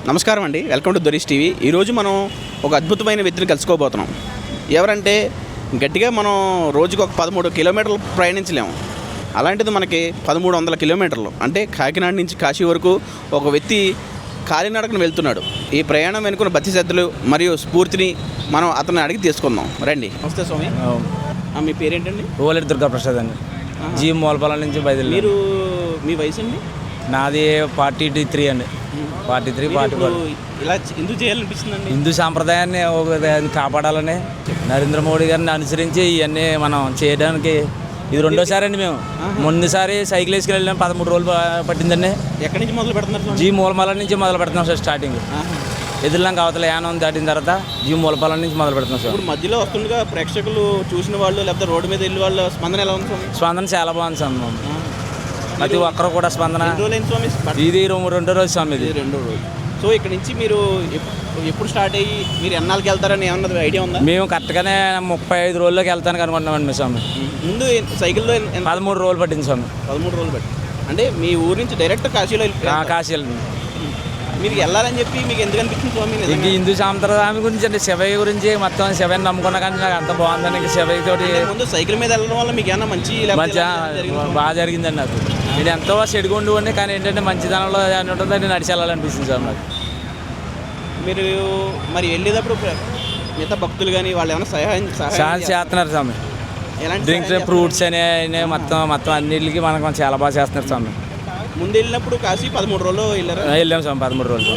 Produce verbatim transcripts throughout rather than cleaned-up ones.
నమస్కారం అండి, welcome to దొరీష్ TV. ఈరోజు మనం ఒక అద్భుతమైన వ్యక్తిని కలుసుకోబోతున్నాం. ఎవరంటే గట్టిగా మనం రోజుకు ఒక పదమూడు కిలోమీటర్లు ప్రయాణించలేము. అలాంటిది మనకి పదమూడు వందల కిలోమీటర్లు అంటే కాకినాడ నుంచి కాశీ వరకు ఒక వ్యక్తి కాలినడకను వెళ్తున్నాడు. ఈ ప్రయాణం వెనుకున్న బతిశ్రద్ధలు మరియు స్ఫూర్తిని మనం అతన్ని అడిగి తీసుకుందాం. రండి. నమస్తే స్వామి. మీ పేరేంటండి? ఓలేటి దుర్గాప్రసాద్ అండి. జీ మూలపాలెం నుంచి బయలుదేరి. మీరు మీ వయసు అండి? నాది ఫార్టీ త్రీ అండి. Forty three forty four. ఇలా ఎందుకు చేయాలనిపిస్తుందండి? హిందూ సాంప్రదాయాన్ని ఒక కాపాడాలని నరేంద్ర మోడీ గారిని అనుసరించి ఇవన్నీ మనం చేయడానికి ఇది రెండోసారి అండి. మేము ముందుసారి సైకిల్ వేసుకుని వెళ్ళాం, పదమూడు రోజులు పట్టిందండి. ఎక్కడి నుంచి మొదలు పెడుతున్నారు? జీ మూలపాలెం నుంచి మొదలు పెడుతున్నాం సార్. స్టార్టింగ్ ఎదురులాంక అవతల యానం దాటిన తర్వాత జీ మూలపాలెం నుంచి మొదలు పెడుతున్నాం సార్. ఇప్పుడు మధ్యలో వస్తుండగా ప్రేక్షకులు చూసిన వాళ్ళు లేకపోతే రోడ్డు మీద వెళ్ళి వాళ్ళ స్పందన ఎలా ఉంది? స్పందన చాలా బాగుంది సార్. ప్రతి ఒక్కరు కూడా స్పందన. ఇది రెండో రోజు స్వామి. ఇది రెండో రోజు. సో ఇక్కడ నుంచి మీరు ఎప్పుడు స్టార్ట్ అయ్యి మీరు ఎన్నాళ్ళకి వెళ్తారని ఏమన్నా ఐడియా ఉందా? మేము కరెక్ట్గానే ముప్పై ఐదు రోజుల్లోకి వెళ్తానికి అనుకుంటున్నామండి స్వామి. ముందు సైకిల్లో పదమూడు రోజులు పట్టింది స్వామి. పదమూడు రోజులు పట్టి అంటే మీ ఊరు నుంచి డైరెక్ట్ కాశీలో కాశీ వెళ్ళింది. మీరు వెళ్ళాలని చెప్పి మీకు ఎందుకు అనిపించింది స్వామి? ఇంక హిందూ సాంప్రదాయం గురించి అంటే శివయ్య గురించి మొత్తం శివయ్యని నమ్ముకున్నా కానీ నాకు అంత బాగుందని ఇంక శివయ్య తోటి ముందు సైకిల్ మీద వెళ్ళడం వల్ల మీకు ఏమన్నా మంచి మంచి బాగా జరిగిందండి. నాకు నేను ఎంతో చెడుగుండు ఉండి కానీ ఏంటంటే మంచిదనంలో అని ఉంటుందో నేను నడిచి వెళ్ళాలనిపిస్తుంది సార్ నాకు. మీరు మరి వెళ్ళేటప్పుడు మిగతా భక్తులు కానీ వాళ్ళు ఏమైనా సహాయం సహాయం చేస్తున్నారు స్వామి. డ్రింక్స్ ఫ్రూట్స్ అనే మొత్తం మొత్తం అన్నింటికి మనకు చాలా బాగా చేస్తున్నారు స్వామి. ముందు వెళ్ళినప్పుడు కాశీ పదమూడు రోజులు వెళ్ళారు. వెళ్ళాము స్వామి పదమూడు రోజులు.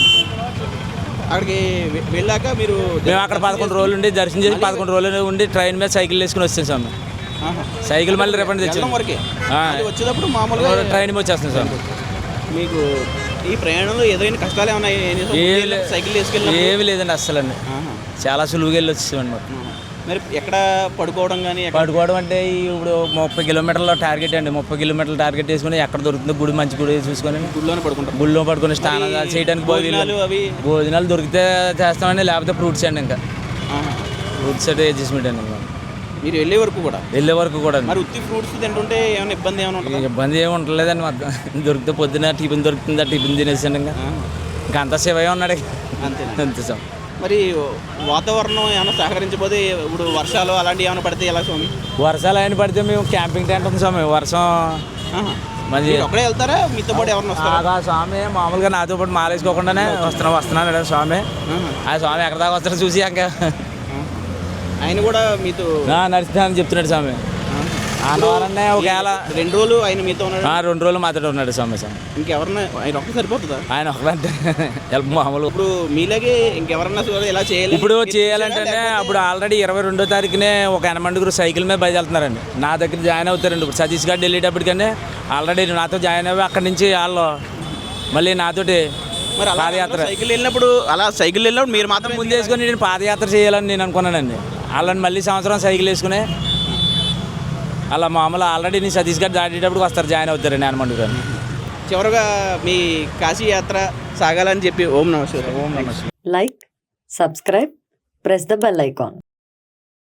అక్కడికి వెళ్ళాక మీరు మేము అక్కడ పదకొండు రోజులు ఉండి దర్శనం చేసి పదకొండు రోజులు ఉండి ట్రైన్ మీద సైకిల్ వేసుకుని వచ్చాం స్వామి. సైకిల్ మళ్ళీ రిఫండ్ తెచ్చాం వరకే. వచ్చేటప్పుడు మామూలుగా ట్రైన్ మీద వచ్చేస్తాం సార్. మీకు ఈ ప్రయాణంలో ఎదురైన కష్టాలు ఏమన్నా? సైకిల్ వేసుకెళ్ళి ఏమి లేదండి అస్సలు అండి. చాలా సులువుగా వెళ్ళి వచ్చేసామండి. మరి ఎక్కడ పడుకోవడం కానీ? పడుకోవడం అంటే ఇప్పుడు ముప్పై కిలోమీటర్ల టార్గెట్ అండి. ముప్పై కిలోమీటర్ల టార్గెట్ వేసుకుని ఎక్కడ దొరుకుతుందో గుడి మంచి గుడి చూసుకొని గుడిలోనే పడుకుంటాం. గుడిలో పడుకుని స్నానం చేయడానికి భోజనాలు అవి భోజనాలు దొరికితే చేస్తామండి, లేకపోతే ఫ్రూట్స్ అండి. ఇంకా ఫ్రూట్స్ అంటే అడ్జస్ట్మెంట్ అండి. మీరు వెళ్ళే వరకు కూడా వెళ్ళే వరకు కూడా మరి ఉత్తి ఫ్రూట్స్ తింటుంటే ఏమైనా ఇబ్బంది ఏమైనా? ఇబ్బంది ఏమి ఉండలేదండి. మొత్తం దొరికితే పొద్దున టిఫిన్ దొరుకుతుంది, ఆ టిఫిన్ తినేసాను. ఇంకా ఇంకా అంతా శివయ్య ఉన్నాడు అంతే అంతే సార్. మరి వాతావరణం ఏమైనా సహకరించబోతే ఇప్పుడు వర్షాలు అలాంటివి ఏమైనా పడితే ఎలా స్వామి? వర్షాలు అయినా పడితే మేము క్యాంపింగ్ టెంట్ ఉంది స్వామి. వర్షం మరి ఒక్కడే వెళ్తారా? మీతో పాటు ఎవరైనా వస్తారా? స్వామి మామూలుగా నాతో పాటు మాలేసుకోకుండానే వస్తున్నా వస్తున్నాను స్వామి. ఆ స్వామి ఎక్కడ దాకా వస్తారో చూసి ఇంకా ఆయన కూడా మీతో నడుస్తానని చెప్తున్నాడు స్వామి. ఆనవారనే ఒకవేళ రెండు రోజులు ఆయన మీతో ఉన్నాడు. రెండు రోజులు మాతో ఉన్నాడు స్వామి. స్వామి ఇంకెవరన్నా ఆయన ఒక్క సరిపోతుందా? ఆయన ఒకరంటే మామూలు. ఇప్పుడు మీలాగే ఇంకెవరన్నా ఎలా చేయాలి? ఇప్పుడు చేయాలంటే అప్పుడు ఆల్రెడీ ఇరవై రెండో తారీఖునే ఒక ఎనమండుగురు సైకిల్ మీద బయలుదేరుతున్నారండి. నా దగ్గర జాయిన్ అవుతారండి. ఇప్పుడు సతీష్ గారు వెళ్ళేటప్పటికనే ఆల్రెడీ నాతో జాయిన్ అయ్యి అక్కడి నుంచి వాళ్ళు మళ్ళీ నాతోటి మరి పాదయాత్ర సైకిల్ వెళ్ళినప్పుడు అలా సైకిల్ వెళ్ళినప్పుడు మీరు మాత్రం ముందు వేసుకొని నేను పాదయాత్ర చేయాలని నేను అనుకున్నానండి. వాళ్ళని మళ్ళీ సంవత్సరం సైకిల్ వేసుకుని అలా మామూలు ఆల్రెడీ నేను సతీష్ గారు దాటేటప్పుడు వస్తారు, జాయిన్ అవుతారండి హనుమండు గారు. చివరిగా మీ కాశీ యాత్ర సాగాలని చెప్పి ఓం నమః శివాయ. ఓం నమః శివాయ. Like, subscribe, press the bell icon.